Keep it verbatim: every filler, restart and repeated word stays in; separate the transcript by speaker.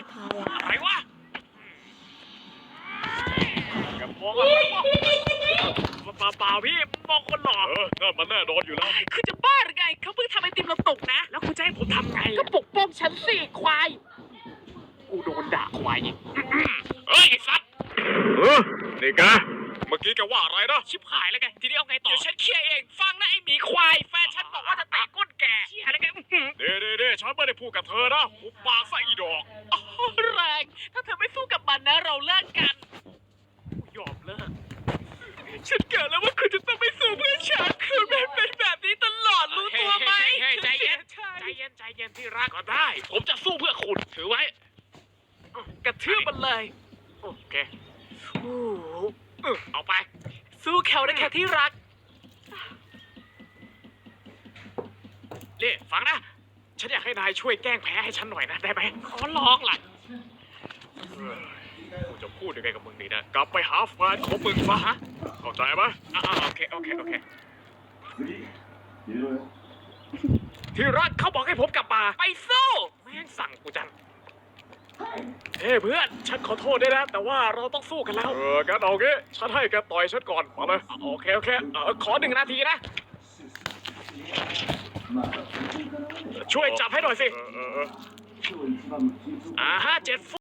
Speaker 1: ทายอ่ะ
Speaker 2: อะไรวะอย่ามองอะไรวะเปล่าเปล่าพี่มองคนหล่อ
Speaker 3: เออนั่นมันแน่นอนอยู่แล้ว
Speaker 2: คือจะบ้าหรือไงเขาเพิ่งทำไอติมเราตกนะ แล้วคุณจะให้ผมทำไง
Speaker 1: ก็ปกป้องฉันสิควาย
Speaker 2: กูโดนด่าควายอีกเฮ้ยไอ้สัตว์
Speaker 3: เออนี่แกเมื่อกี้แกว่าอะไรนะ
Speaker 2: ชิบหายแล้วไงทีนี้เอาไงต่อเดี๋ยวฉันเคลียร์เองฟังนะไอ้หมีควายแฟนฉันบอกว่าจะเตะก้นแกเชี่ยแล้วไงอื้อหือ
Speaker 3: เด้เด้เด้ฉันไม่ได้พูดกับเธอนะหุบปากซะอีดอก
Speaker 2: อ๋อแรงถ้าเธอไม่สู้กับมันนะเราเลิกกันกูยอมเลิกฉันเกิดแล้วว่าคุณจะต้องไม่สู้เพื่อฉันคุณไม่เป็นแบบนี้ตลอดรู้ตัวไหมใจเย็นใจเย็นใจเย็นที่รักก็ได้ ผมจะสู้เพื่อคุณถือไว้กระทืบมันเลยโอเคโอ้โหเออเอาไป สู้เขาได้แค่ที่รักนี่ฟังนะ ฉันอยากให้นายช่วยแก้งแพ้ให้ฉันหน่อยนะได้ไหมขอร้องล่ะกูจะพูดยังไงกับมึงดีนะ กลับไปหาแฟนของมึงซะฮะเข้าใจไหมอ่าโอเคโอเคโอเคที่รักเขาบอกให้ผมกลับมาไปสู้แม่งสั่งกูจังเฮ้ยเพื่อน ฉันขอโทษด้วยนะ แต่ว่าเราต้องสู้กันแล้ว
Speaker 3: เอองั้นเอางี้ฉันให้แกต่อยฉันก่อนมาเลย
Speaker 2: โอเคโอเคเออขอหนึ่งนาทีนะ ช่วยจับให้หน่อยสิ
Speaker 3: เออเออเออ
Speaker 2: อ่าห้าเจ็ด